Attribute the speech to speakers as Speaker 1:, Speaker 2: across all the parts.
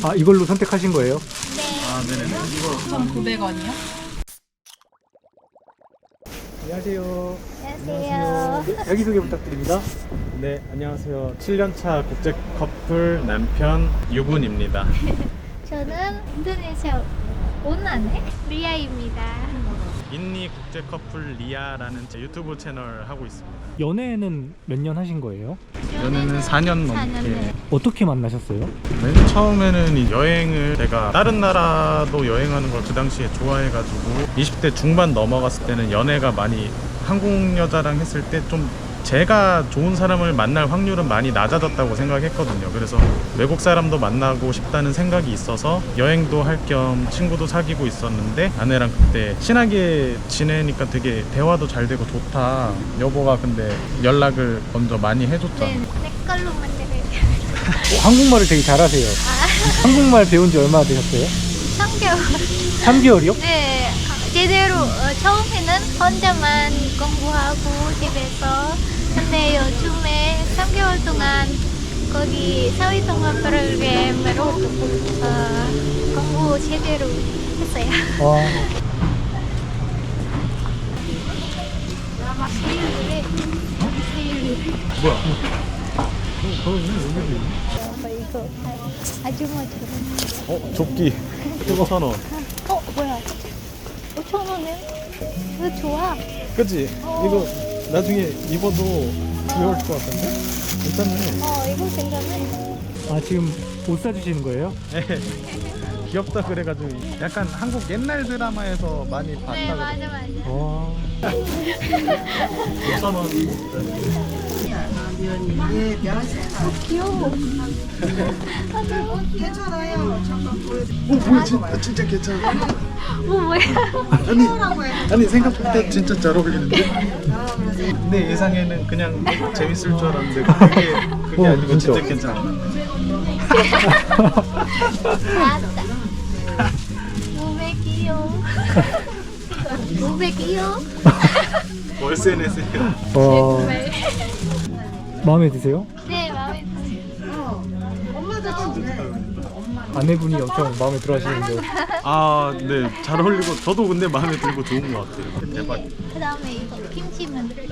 Speaker 1: 아, 이걸로 선택하신 거예요?
Speaker 2: 아, 네네. 이거
Speaker 3: 1,900원이요?
Speaker 1: 안녕하세요.
Speaker 4: 안녕하세요.
Speaker 1: 네, 자기소개 부탁드립니다.
Speaker 2: 네, 안녕하세요. 7년차 국제 커플 남편 유군입니다.
Speaker 4: 저는 인도네시아 온난의 리아입니다.
Speaker 2: 인니 국제 커플 리아라는 제 유튜브 채널 하고 있습니다.
Speaker 1: 연애는 몇 년 하신 거예요?
Speaker 2: 연애는 4년 넘게.
Speaker 4: 4년 네.
Speaker 1: 어떻게 만나셨어요?
Speaker 2: 맨 처음에는 이 여행을 제가 다른 나라도 여행하는 걸 그 당시에 좋아해가지고 20대 중반 넘어갔을 때는 연애가 많이 한국 여자랑 했을 때 좀 제가 좋은 사람을 만날 확률은 많이 낮아졌다고 생각했거든요. 그래서 외국 사람도 만나고 싶다는 생각이 있어서 여행도 할 겸 친구도 사귀고 있었는데 아내랑 그때 친하게 지내니까 되게 대화도 잘 되고 좋다. 여보가 근데 연락을 먼저 많이 해줬잖아.
Speaker 4: 네, 내 걸로 만들어요.
Speaker 1: 한국말을 되게 잘하세요. 한국말 배운 지 얼마나 되셨어요?
Speaker 4: 3개월.
Speaker 1: 3개월이요?
Speaker 4: 네, 제대로 처음에는 혼자만 공부하고 집에서. 근데 요즘에 3개월 동안 거기 사회통합 프로그램으로 공부 제대로 했어요.
Speaker 1: 와,
Speaker 2: 뭐야?
Speaker 4: 이거 아주머니처럼.
Speaker 2: 조끼 5,000원.
Speaker 4: 뭐야? 5,000원에? 이거 좋아.
Speaker 2: 그치? 이거 나중에 입어도 귀여울 것 같은데? 괜찮네.
Speaker 4: 이거 괜찮네.
Speaker 1: 아, 지금 옷 사주시는 거예요?
Speaker 2: 귀엽다 그래가지고 약간 한국 옛날 드라마에서 많이
Speaker 4: 네,
Speaker 2: 봤다.
Speaker 4: 맞아.
Speaker 1: 와,
Speaker 2: 5,000원.
Speaker 4: 귀여워.
Speaker 2: 뭐야 진짜 괜찮아.
Speaker 4: 뭐야?
Speaker 2: 아니 생각보다 진짜 잘 어울리는데? 내 예상에는 그냥 재밌을 줄 알았는데 그게 아니고 진짜 괜찮아.
Speaker 4: 알았다. 몸에 귀여워. 몸에 귀여워.
Speaker 2: 월세 내세요.
Speaker 4: 정말.
Speaker 1: 마음에 드세요?
Speaker 4: 네, 마음에 들어요.
Speaker 1: 아내분이 엄청 마음에 들어 하시는데.
Speaker 2: 아, 네, 잘 어울리고 저도 근데 마음에 들고 좋은 것 같아요. 대박.
Speaker 4: 그 다음에 이거 김치 만들어요.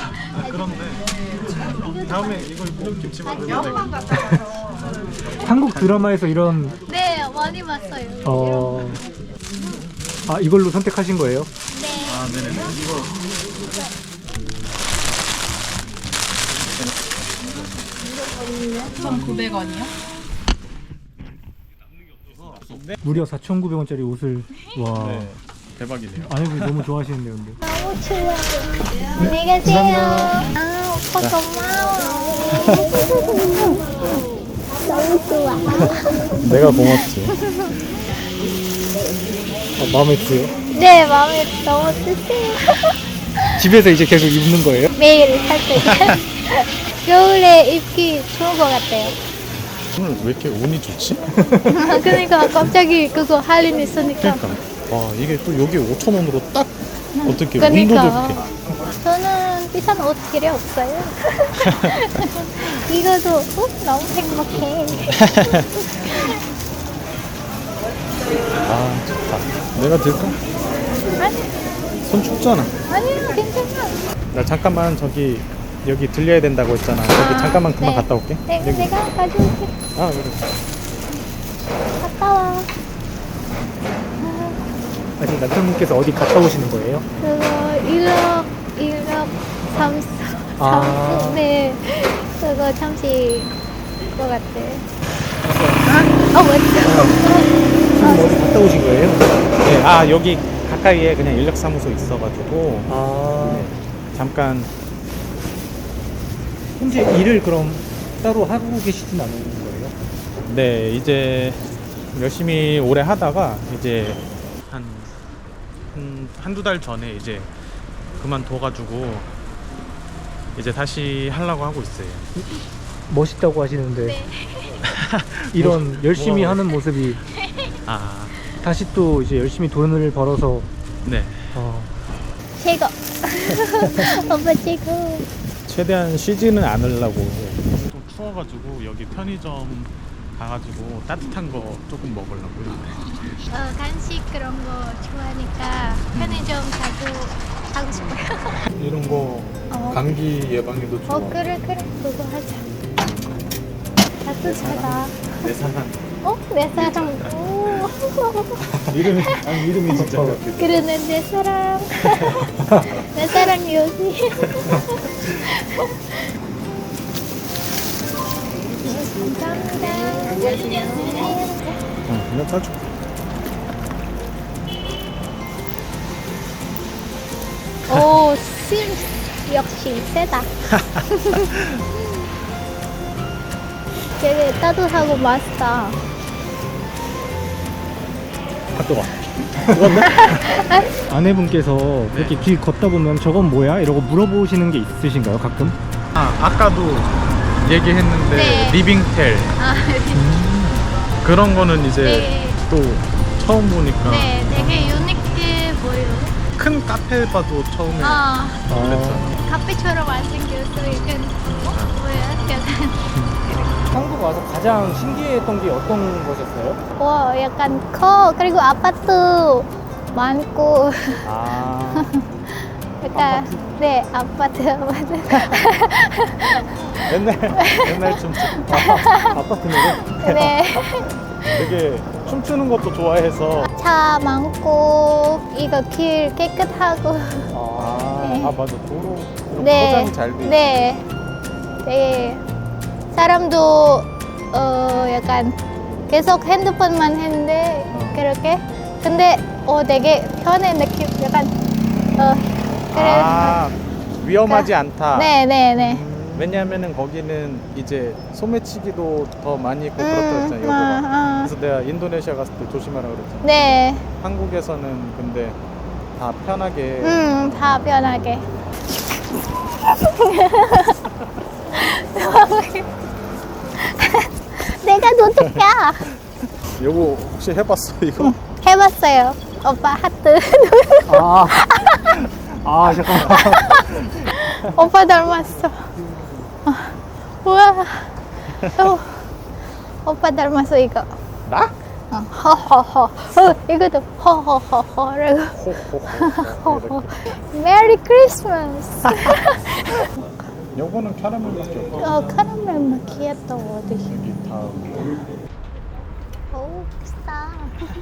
Speaker 2: 그런데 다음에 이거 김치 만들면 되겠다.
Speaker 1: 한국 드라마에서 이런,
Speaker 4: 네, 많이 봤어요.
Speaker 1: 아, 이걸로 선택하신 거예요?
Speaker 4: 네.
Speaker 2: 아, 네네. 이거
Speaker 3: 1,900원이요?
Speaker 1: 무려 4,900원짜리 옷을. 와,
Speaker 2: 네, 대박이네요.
Speaker 1: 아내분이 너무 좋아하시는데 근데.
Speaker 4: 너무 추워. 안녕히 가세요. 아, 오빠 고마워. 너무 좋아.
Speaker 2: 내가 고맙지.
Speaker 1: 마음에 드세요?
Speaker 4: 네, 마음에 너무 드세요.
Speaker 1: 집에서 이제 계속 입는 거예요?
Speaker 4: 매일 살 때. 겨울에 입기 좋은 것 같아요.
Speaker 2: 오늘 왜 이렇게 운이 좋지?
Speaker 4: 그러니까 갑자기 그거 할 일 있으니까.
Speaker 2: 그러니까. 와, 이게 또 여기 5,000원으로 딱 어떻게
Speaker 4: 그러니까.
Speaker 2: 운도 좋게.
Speaker 4: 저는 비싼 옷 필요 없어요. 이거도 너무 행복해.
Speaker 2: 아, 좋다. 내가 들까?
Speaker 4: 아니,
Speaker 2: 손 춥잖아.
Speaker 4: 아니요, 괜찮아.
Speaker 2: 나 잠깐만 저기 여기 들려야 된다고 했잖아. 저기 잠깐만 금방
Speaker 4: 네.
Speaker 2: 갔다 올게.
Speaker 4: 네,
Speaker 2: 여기.
Speaker 4: 내가 가져올게.
Speaker 2: 아, 그래.
Speaker 4: 갔다 와.
Speaker 1: 아직 남편분께서 어디 갔다 오시는 거예요?
Speaker 4: 그거 일억 삼수.
Speaker 1: 아.
Speaker 4: 네. 그거 잠시 것 같아. 맞죠?
Speaker 1: 지금 어디 갔다 오신 거예요?
Speaker 2: 네, 아, 여기 가까이에 그냥 인력사무소 있어가지고
Speaker 1: 아,
Speaker 2: 네, 잠깐.
Speaker 1: 현재 일을 그럼 따로 하고 계시진 않은 거예요?
Speaker 2: 네, 이제 열심히 오래 하다가 이제 한두 달 전에 이제 그만둬가지고 이제 다시 하려고 하고 있어요.
Speaker 1: 멋있다고 하시는데
Speaker 4: 네.
Speaker 1: 이런 열심히
Speaker 2: 뭐.
Speaker 1: 하는 모습이
Speaker 2: 아,
Speaker 1: 다시 또 이제 열심히 돈을 벌어서
Speaker 2: 네.
Speaker 4: 최고. 오빠 최고.
Speaker 2: 최대한 쉬지는 않으려고. 좀 추워가지고 여기 편의점 가가지고 따뜻한 거 조금 먹으려고요.
Speaker 4: 간식 그런 거 좋아하니까 편의점 자주 하고 싶어요.
Speaker 1: 이런 거
Speaker 4: 어.
Speaker 1: 감기 예방에도 좋아.
Speaker 4: 그래 그거 하자. 따뜻하다.
Speaker 1: 내 사랑.
Speaker 4: 내 사랑. 오.
Speaker 1: 이름이 진짜 같아.
Speaker 4: 그러네 내 사랑. 내 사랑 여기. 감사합니다.
Speaker 1: 그냥 사줘.
Speaker 4: 오, 심 역시 세다. 되게 따뜻하고 맛있다.
Speaker 1: 아, 뜨거. 아내분께서 그렇게 길 걷다 보면 저건 뭐야? 이러고 물어보시는 게 있으신가요? 가끔?
Speaker 2: 아까도 얘기했는데
Speaker 4: 네.
Speaker 2: 리빙텔
Speaker 4: 아,
Speaker 2: 그런 거는 이제
Speaker 4: 네.
Speaker 2: 또 처음 보니까
Speaker 4: 네, 되게 유니크해 보여.
Speaker 2: 큰 카페 봐도 처음에
Speaker 4: 아,
Speaker 2: 그랬잖아.
Speaker 4: 카페처럼 안 생겼어. 약간 뭐야? 약간
Speaker 1: 한국 와서 가장 신기했던 게 어떤 거셨어요?
Speaker 4: 와, 약간 커. 그리고 아파트 많고.
Speaker 1: 아,
Speaker 4: 약간 네, 아파트.
Speaker 2: 옛날 좀
Speaker 1: 아파트 노래?
Speaker 4: 네.
Speaker 2: 되게 춤추는 것도 좋아해서
Speaker 4: 차 많고 이거 길 깨끗하고. 네.
Speaker 2: 맞아 도로
Speaker 4: 네.
Speaker 2: 포장이 잘 돼.
Speaker 4: 네. 되게 사람도 약간 계속 핸드폰만 했는데 그렇게 근데 되게 편해 느낌 약간 그래.
Speaker 2: 위험하지 않다.
Speaker 4: 네네네.
Speaker 2: 왜냐하면은 거기는 이제 소매치기도 더 많이 있고 그렇다 했잖아요. 여보가. 그래서 내가 인도네시아 갔을 때 조심하라 그랬잖아.
Speaker 4: 네.
Speaker 2: 한국에서는 근데 다 편하게
Speaker 4: 다 편하게. 내가 노트야.
Speaker 2: 요거 혹시 해봤어 이거?
Speaker 4: 해봤어요. 오빠 하트.
Speaker 1: 잠깐만.
Speaker 4: 오빠 닮았어. 우와. 오빠 닮았어 이거.
Speaker 2: 나?
Speaker 4: 허허허. 이것도 허허허허라고.
Speaker 2: 호호호.
Speaker 4: 메리 크리스마스.
Speaker 2: 요거는 캐러멜밖에 없어.
Speaker 4: 카라멜 마키아토 어디?
Speaker 2: 여기 다음.
Speaker 4: 오 비싸.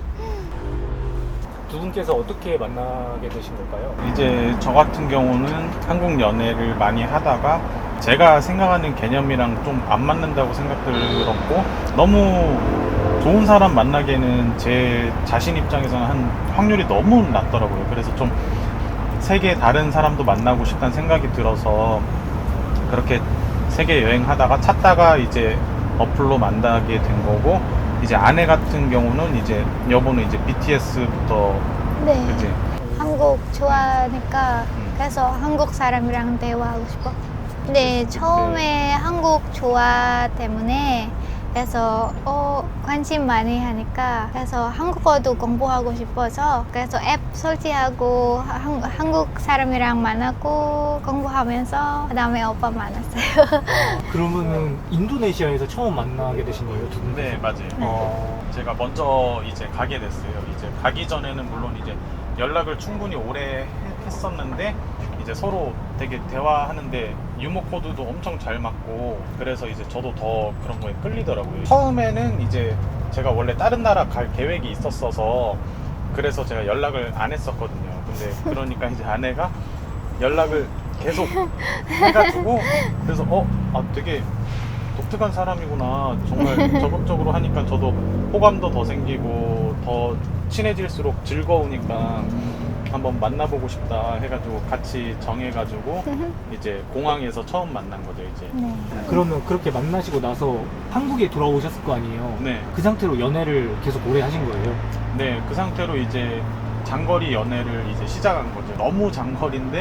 Speaker 1: 두 분께서 어떻게 만나게 되신 걸까요?
Speaker 2: 이제 저 같은 경우는 한국 연애를 많이 하다가 제가 생각하는 개념이랑 좀 안 맞는다고 생각들었고 너무 좋은 사람 만나기에는 제 자신 입장에서는 한 확률이 너무 낮더라고요. 그래서 좀 세계 다른 사람도 만나고 싶다는 생각이 들어서 그렇게 세계 여행하다가 찾다가 이제 어플로 만나게 된 거고 이제 아내 같은 경우는 이제 여보는 이제 BTS부터
Speaker 4: 네.
Speaker 2: 그지
Speaker 4: 한국 좋아하니까 그래서 한국 사람이랑 대화하고 싶어. 네, 처음에 한국 좋아 때문에 그래서 관심 많이 하니까 그래서 한국어도 공부하고 싶어서 그래서 앱 설치하고 한국 사람이랑 만나고 공부하면서 그다음에 오빠 만났어요.
Speaker 1: 그러면은 인도네시아에서 처음 만나게 되신 거예요, 두 분?
Speaker 2: 네 맞아요. 제가 먼저 이제 가게 됐어요. 이제 가기 전에는 물론 이제 연락을 충분히 오래 했었는데 이제 서로 되게 대화하는데 유머 코드도 엄청 잘 맞고 그래서 이제 저도 더 그런 거에 끌리더라고요. 처음에는 이제 제가 원래 다른 나라 갈 계획이 있었어서 그래서 제가 연락을 안 했었거든요. 근데 그러니까 이제 아내가 연락을 계속 해가지고 그래서 되게 독특한 사람이구나. 정말 적극적으로 하니까 저도 호감도 더 생기고 더 친해질수록 즐거우니까 한번 만나보고 싶다 해가지고 같이 정해가지고 이제 공항에서 처음 만난 거죠 이제.
Speaker 4: 네.
Speaker 1: 그러면 그렇게 만나시고 나서 한국에 돌아오셨을 거 아니에요?
Speaker 2: 네.
Speaker 1: 그 상태로 연애를 계속 오래 하신 거예요?
Speaker 2: 네, 그 상태로 이제 장거리 연애를 이제 시작한 거죠. 너무 장거리인데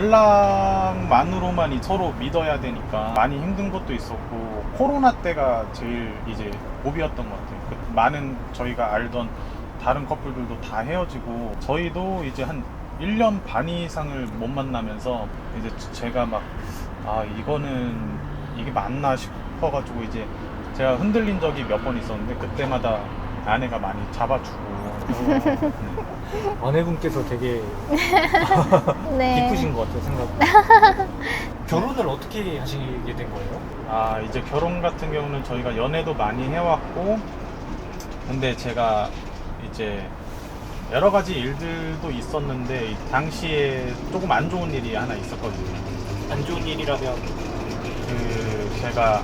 Speaker 2: 연락만으로만 서로 믿어야 되니까 많이 힘든 것도 있었고 코로나 때가 제일 이제 고비였던 것 같아요. 많은 저희가 알던 다른 커플들도 다 헤어지고 저희도 이제 한 1년 반 이상을 못 만나면서 이제 제가 막 이거는 이게 맞나 싶어가지고 이제 제가 흔들린 적이 몇 번 있었는데 그때마다 아내가 많이 잡아주고
Speaker 1: 아내분께서 되게
Speaker 4: 네.
Speaker 1: 기쁘신 것 같아요, 생각보다. 결혼을 어떻게 하시게 된 거예요?
Speaker 2: 아 이제 결혼 같은 경우는 저희가 연애도 많이 해왔고 근데 제가 이제 여러 가지 일들도 있었는데 이 당시에 조금 안 좋은 일이 하나 있었거든요.
Speaker 1: 안 좋은 일이라면
Speaker 2: 그 제가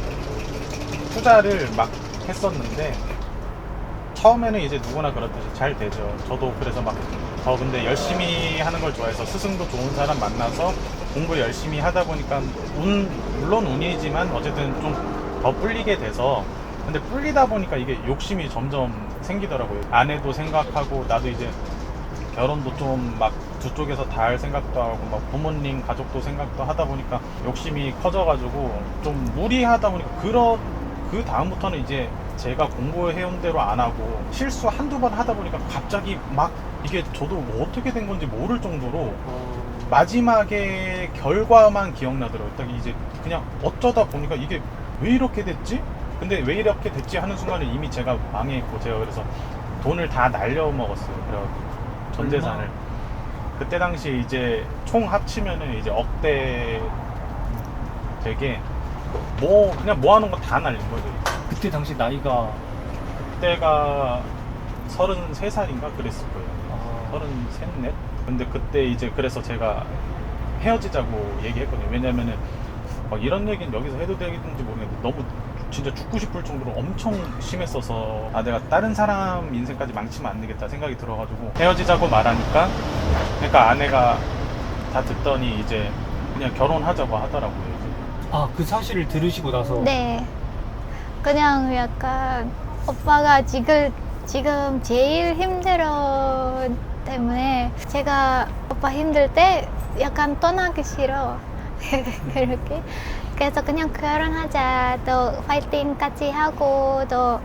Speaker 2: 투자를 막 했었는데 처음에는 이제 누구나 그렇듯이 잘 되죠. 저도 그래서 막 더 근데 열심히 하는 걸 좋아해서 스승도 좋은 사람 만나서 공부 열심히 하다 보니까 물론 운이지만 어쨌든 좀 더 뿔리게 돼서 근데 뿔리다 보니까 이게 욕심이 점점 생기더라고요. 아내도 생각하고 나도 이제 결혼도 좀 막 두 쪽에서 다 할 생각도 하고 막 부모님 가족도 생각도 하다 보니까 욕심이 커져가지고 좀 무리하다 보니까 그 다음부터는 이제 제가 공부해온 대로 안 하고 실수 한두 번 하다 보니까 갑자기 막 이게 저도 뭐 어떻게 된 건지 모를 정도로 마지막에 결과만 기억나더라고요. 딱 이제 그냥 어쩌다 보니까 이게 왜 이렇게 됐지? 근데 왜 이렇게 됐지 하는 순간에 이미 제가 망했고 제가 그래서 돈을 다 날려먹었어요. 그래가지고 전 재산을 그때 당시 이제 총 합치면은 이제 억대 되게 뭐 그냥 뭐 하는 거 다 날린 거죠.
Speaker 1: 그때 당시 나이가
Speaker 2: 그때가 33살인가 그랬을 거예요. 33, 4? 근데 그때 이제 그래서 제가 헤어지자고 얘기했거든요. 왜냐면은 막 이런 얘기는 여기서 해도 되겠는지 모르겠는데 너무 진짜 죽고 싶을 정도로 엄청 심했어서 아 내가 다른 사람 인생까지 망치면 안 되겠다 생각이 들어가지고 헤어지자고 말하니까 그러니까 아내가 다 듣더니 이제 그냥 결혼하자고 하더라고요. 이제.
Speaker 1: 그 사실을 들으시고 나서
Speaker 4: 네. 그냥 약간 오빠가 지금 제일 힘들어 때문에 제가 오빠 힘들 때 약간 떠나기 싫어. 그렇게. 그래서 그냥 결혼하자. 또 파이팅 같이 하고 또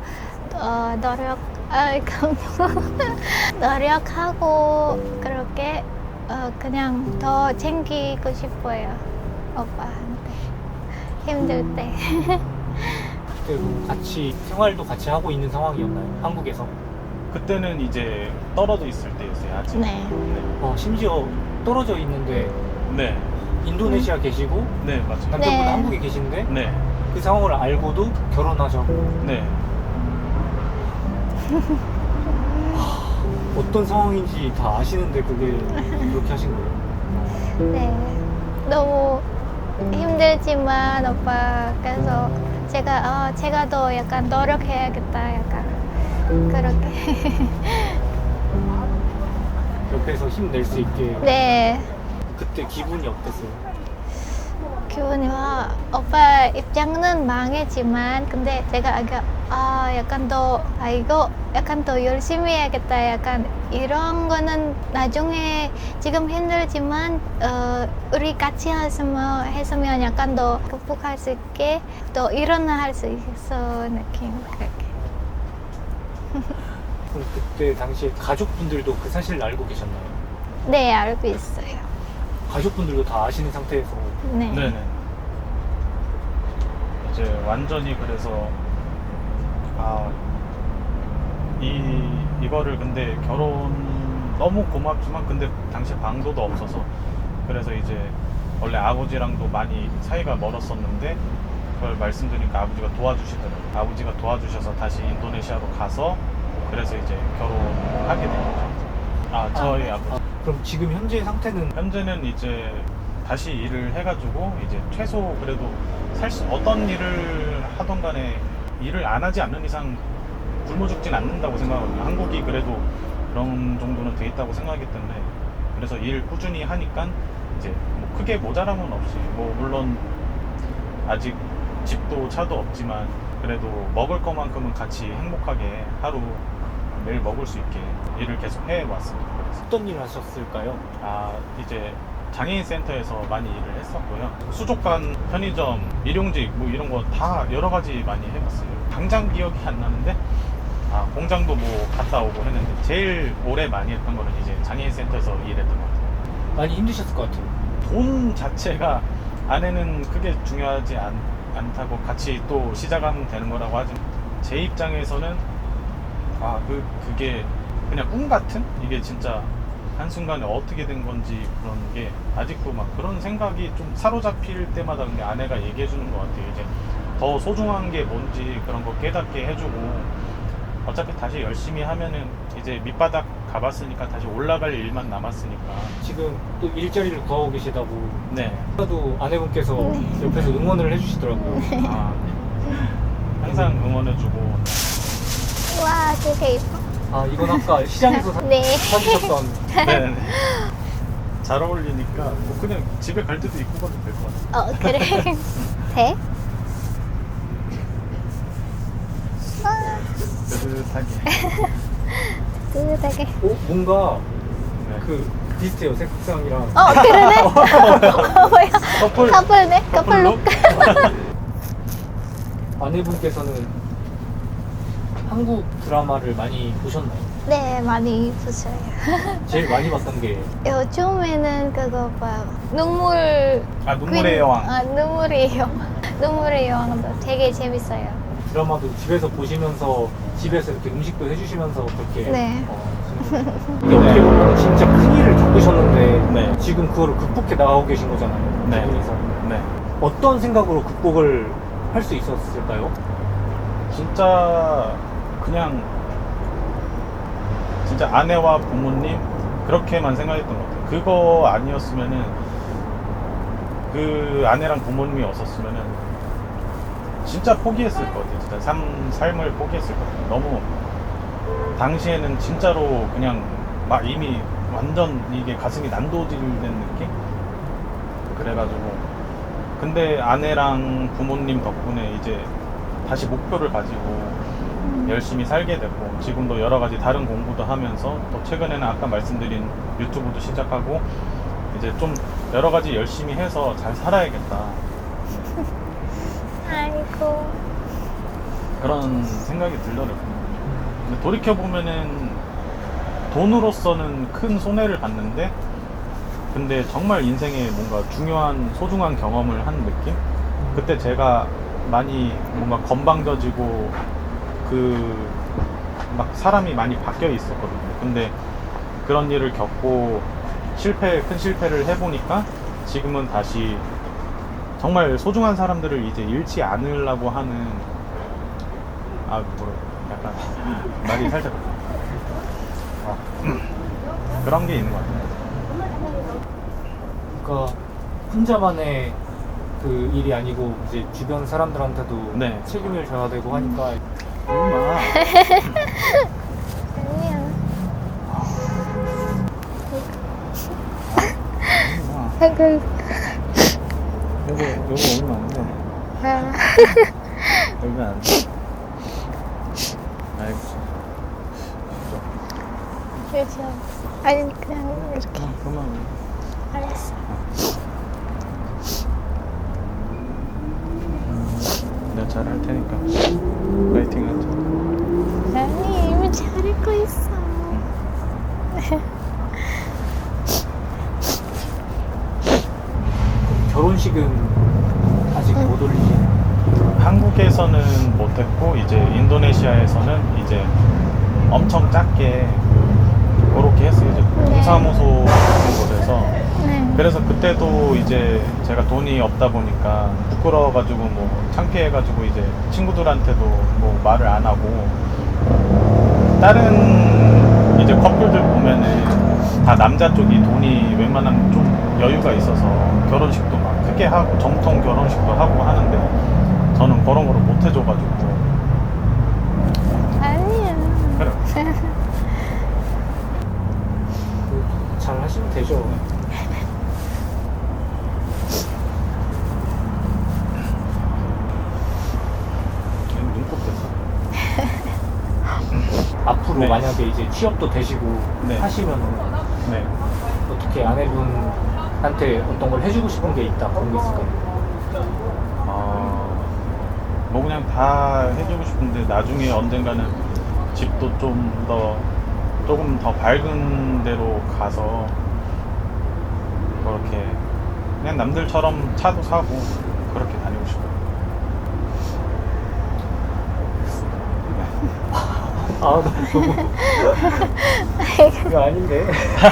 Speaker 4: 노력하고 그렇게 그냥 더 챙기고 싶어요. 오빠한테 힘들 때.
Speaker 1: 그때도 같이 생활도 같이 하고 있는 상황이었나요? 한국에서?
Speaker 2: 그때는 이제 떨어져 있을 때였어요. 아직.
Speaker 4: 네.
Speaker 1: 심지어 떨어져 있는데
Speaker 2: 네.
Speaker 1: 인도네시아 계시고
Speaker 2: 네, 맞아요.
Speaker 1: 남편분은
Speaker 4: 네.
Speaker 1: 한국에 계신데
Speaker 2: 네.
Speaker 1: 그 상황을 알고도 결혼하자고.
Speaker 2: 네.
Speaker 1: 어떤 상황인지 다 아시는데 그게 그렇게 하신 거예요?
Speaker 4: 네. 너무 힘들지만 오빠 그래서 제가 더 약간 노력해야겠다 약간 그렇게.
Speaker 1: 옆에서 힘낼 수 있게.
Speaker 4: 네.
Speaker 1: 그때 기분이 어땠어요?
Speaker 4: 기분이 오빠 입장은 망했지만 근데 제가 약간 더 이거 약간 더 열심히 해야겠다 약간 이런 거는 나중에 지금 힘들지만 우리 같이 했으면 약간 더 극복할 수 있게 또 일어날 수 있어 느낌 그렇게.
Speaker 1: 그럼 그때 당시에 가족분들도 그 사실을 알고 계셨나요?
Speaker 4: 네 알고 있어요.
Speaker 1: 가족분들도 다 아시는 상태에서
Speaker 4: 네.
Speaker 2: 네네. 이제 완전히 그래서 이거를 근데 결혼 너무 고맙지만 근데 당시 방도도 없어서 그래서 이제 원래 아버지랑도 많이 사이가 멀었었는데 그걸 말씀드리니까 아버지가 도와주시더라고요. 아버지가 도와주셔서 다시 인도네시아로 가서 그래서 이제 결혼하게 된 거죠. 저희 아버지.
Speaker 1: 그럼 지금 현재 상태는
Speaker 2: 현재는 이제 다시 일을 해가지고 이제 최소 그래도 어떤 일을 하던 간에 일을 안 하지 않는 이상 굶어 죽진 않는다고 생각하거든요. 한국이 그래도 그런 정도는 돼 있다고 생각하기 때문에 그래서 일 꾸준히 하니까 이제 뭐 크게 모자람은 없이 뭐 물론 아직 집도 차도 없지만 그래도 먹을 것만큼은 같이 행복하게 하루 매일 먹을 수 있게 일을 계속 해왔습니다. 그래서.
Speaker 1: 어떤 일을 하셨을까요?
Speaker 2: 이제 장애인 센터에서 많이 일을 했었고요. 수족관, 편의점, 일용직 뭐 이런 거 다 여러 가지 많이 해봤어요. 당장 기억이 안 나는데 공장도 뭐 갔다 오고 했는데 제일 오래 많이 했던 거는 이제 장애인 센터에서 일했던 것 같아요.
Speaker 1: 많이 힘드셨을 것 같아요.
Speaker 2: 돈 자체가 아내는 크게 중요하지 않다고 같이 또 시작하면 되는 거라고 하지만 제 입장에서는 그게 그냥 꿈 같은? 이게 진짜 한순간에 어떻게 된 건지 그런 게 아직도 막 그런 생각이 좀 사로잡힐 때마다 근데 아내가 얘기해 주는 것 같아요. 이제 더 소중한 게 뭔지 그런 거 깨닫게 해주고 어차피 다시 열심히 하면은 이제 밑바닥 가봤으니까 다시 올라갈 일만 남았으니까.
Speaker 1: 지금 또 일자리를 구하고 계시다고.
Speaker 2: 네.
Speaker 1: 아까도 아내분께서
Speaker 4: 네.
Speaker 1: 옆에서 응원을 해주시더라고요.
Speaker 2: 아, 항상 응원해주고.
Speaker 4: 와, 되게 예뻐.
Speaker 1: 아, 이건 아까 시장에서
Speaker 4: 네.
Speaker 1: 사주셨던.
Speaker 2: 네네. 잘 어울리니까 뭐 그냥 집에 갈 때도 입고 가도 될 것 같아요.
Speaker 4: 그래. 돼?
Speaker 2: 따뜻하게.
Speaker 4: 뜨뜻하게.
Speaker 1: 뭔가
Speaker 2: 네.
Speaker 1: 그 비슷해요, 색상이랑.
Speaker 4: 그러네? 뭐야? 커플네? 커플룩?
Speaker 1: 아내분께서는 한국 드라마를 많이 보셨나요?
Speaker 4: 네, 많이 봤어요.
Speaker 1: 제일 많이 봤던 게
Speaker 4: 요즘에는 그거 봐요. 눈물.
Speaker 2: 눈물의 여왕.
Speaker 4: 눈물의 여왕. 눈물의 여왕도 되게 재밌어요.
Speaker 1: 드라마도 집에서 보시면서 집에서 이렇게 음식도 해주시면서 그렇게
Speaker 4: 네.
Speaker 1: 이게 어떻게 보면 진짜 큰 일을 겪으셨는데
Speaker 2: 네.
Speaker 1: 지금 그거를 극복해 나가고 계신 거잖아요.
Speaker 2: 네.
Speaker 1: 두 분이서.
Speaker 2: 네.
Speaker 1: 어떤 생각으로 극복을 할 수 있었을까요?
Speaker 2: 진짜 그냥 진짜 아내와 부모님 그렇게만 생각했던 것 같아요. 그거 아니었으면은 그 아내랑 부모님이 없었으면은 진짜 포기했을 것 같아요. 진짜 삶을 포기했을 것 같아요. 너무 당시에는 진짜로 그냥 막 이미 완전 이게 가슴이 난도질된 느낌? 그래가지고 근데 아내랑 부모님 덕분에 이제 다시 목표를 가지고 열심히 살게 됐고 지금도 여러 가지 다른 공부도 하면서 또 최근에는 아까 말씀드린 유튜브도 시작하고 이제 좀 여러 가지 열심히 해서 잘 살아야겠다
Speaker 4: 아이고.
Speaker 2: 그런 생각이 들더라고요. 근데 돌이켜보면은 돈으로서는 큰 손해를 봤는데 근데 정말 인생에 뭔가 중요한 소중한 경험을 한 느낌? 그때 제가 많이 뭔가 건방져지고 막 사람이 많이 바뀌어 있었거든요. 근데 그런 일을 겪고 큰 실패를 해보니까 지금은 다시 정말 소중한 사람들을 이제 잃지 않으려고 하는 약간 말이 살짝 그런 게 있는 것 같아요.
Speaker 1: 그러니까 혼자만의 그 일이 아니고 이제 주변 사람들한테도
Speaker 2: 네.
Speaker 1: 책임을 져야 되고 하니까
Speaker 2: 엄마.
Speaker 4: 아니야.
Speaker 2: 요거 오면 안 돼. 오면 안 돼. 아이고.
Speaker 4: 그렇죠. 아니, 그냥 이렇게.
Speaker 2: 그만.
Speaker 4: 알았어.
Speaker 2: 내가 잘할 테니까. 파이팅 하자.
Speaker 4: 아니, 이미 잘하고 있어.
Speaker 1: 결혼식은 아직 못 올리시나요?
Speaker 2: 한국에서는 못했고 이제 인도네시아에서는 이제 엄청 작게 그렇게 했어요. 이제 동사무소 같은 곳에서.
Speaker 4: 네.
Speaker 2: 그래서 그때도 이제 제가 돈이 없다 보니까 부끄러워가지고 뭐 창피해가지고 이제 친구들한테도 뭐 말을 안 하고 다른 이제 커플들 보면은 다 남자 쪽이 돈이 웬만하면 좀 여유가 있어서 결혼식도 막 크게 하고 정통 결혼식도 하고 하는데 저는 그런 거를 못 해줘가지고
Speaker 4: 아니야.
Speaker 2: 그래.
Speaker 1: 잘 하시면 되죠.
Speaker 2: 눈곱 됐어.
Speaker 1: 앞으로
Speaker 2: 네.
Speaker 1: 만약에 이제 취업도 되시고
Speaker 2: 네.
Speaker 1: 하시면
Speaker 2: 네.
Speaker 1: 어떻게 아내분한테 어떤 걸 해주고 싶은 게 있다 그런 게 있을까요?
Speaker 2: 뭐 그냥 다 해주고 싶은데 나중에 언젠가는 집도 조금 더 밝은 데로 가서 그렇게 그냥 남들처럼 차도 사고 그렇게 다니고 싶어요.
Speaker 1: 아, 나 너무. 이거 아닌데.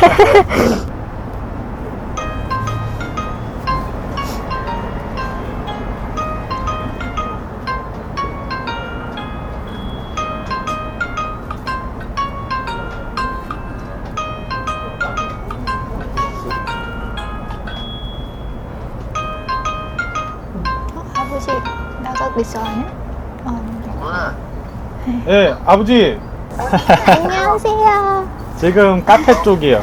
Speaker 4: 아버지 나가고 있어 아니야? 네.
Speaker 2: 네, 아버지.
Speaker 4: 안녕하세요.
Speaker 2: 지금 카페 쪽이요.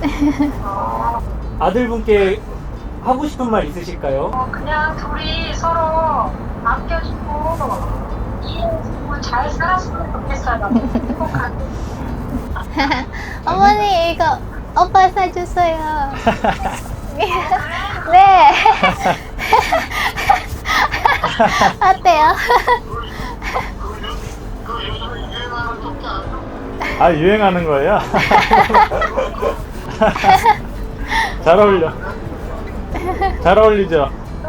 Speaker 1: 아들분께 하고 싶은 말 있으실까요?
Speaker 3: 그냥 둘이 서로 아껴주고 이해해주고 잘 살았으면 좋겠어요. 행복하게.
Speaker 4: 어머니 이거 오빠 사줬어요. 네. 어때요?
Speaker 2: 아, 유행하는 거예요? 잘 어울려. 잘 어울리죠?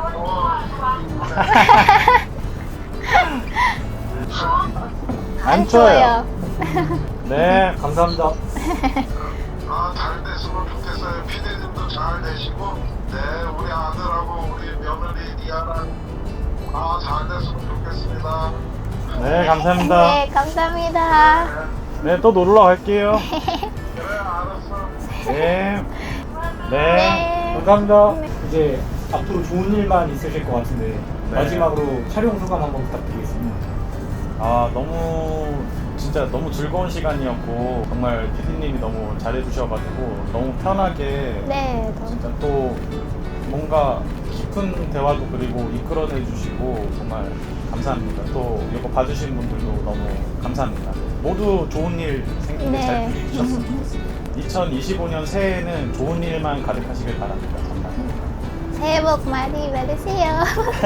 Speaker 2: 안 추워요. 네,
Speaker 1: 감사합니다.
Speaker 5: 아, 잘 됐으면 좋겠어요. 피디님도 잘 되시고, 네, 우리 아들하고 우리 며느리 리아랑 잘 됐으면 좋겠습니다.
Speaker 2: 네, 감사합니다.
Speaker 4: 네, 감사합니다.
Speaker 2: 네, 또 놀러 갈게요.
Speaker 5: 그래, 알았어.
Speaker 2: 네. 네.
Speaker 4: 네.
Speaker 1: 감사합니다. 이제 앞으로 좋은 일만 있으실 것 같은데
Speaker 2: 네.
Speaker 1: 마지막으로 촬영 소감 한번 부탁드리겠습니다.
Speaker 2: 아, 진짜 너무 즐거운 시간이었고, 정말 피디님이 너무 잘해주셔가지고, 너무 편하게,
Speaker 4: 네, 너무
Speaker 2: 진짜 또 뭔가 깊은 대화도 그리고 이끌어내 주시고, 정말 감사합니다. 또 이거 봐주신 분들도 너무 감사합니다. 모두 좋은 일 생기게
Speaker 4: 네.
Speaker 2: 잘 부르셨으면 좋겠습니다. 2025년 새해에는 좋은 일만 가득하시길 바랍니다. 감사합니다.
Speaker 4: 새해 복 많이 받으세요.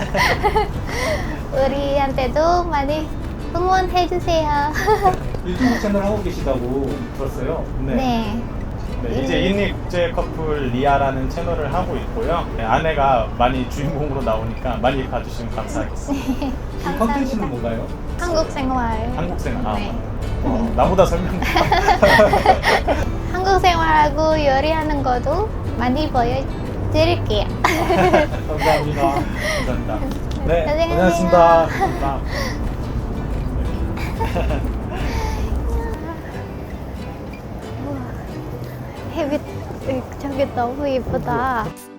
Speaker 4: 우리한테도 많이 응원해주세요.
Speaker 1: 유튜브 채널 하고 계시다고 들었어요.
Speaker 4: 네.
Speaker 2: 네, 이제 인니 국제 커플 리아라는 채널을 하고 있고요. 네, 아내가 많이 주인공으로 나오니까 많이 봐주시면 감사하겠습니다.
Speaker 1: 이 컨텐츠는 뭔가요?
Speaker 4: 한국 생활.
Speaker 2: 한국 생활.
Speaker 4: 네.
Speaker 2: 나보다 설명.
Speaker 4: 한국 생활하고 요리하는 것도 많이 보여드릴게요.
Speaker 1: 감사합니다.
Speaker 2: 감사합니다. 네,
Speaker 4: 고생하세요.
Speaker 2: 고생하셨습니다. 감사합니다.
Speaker 4: 햇빛 저기 너무 예쁘다.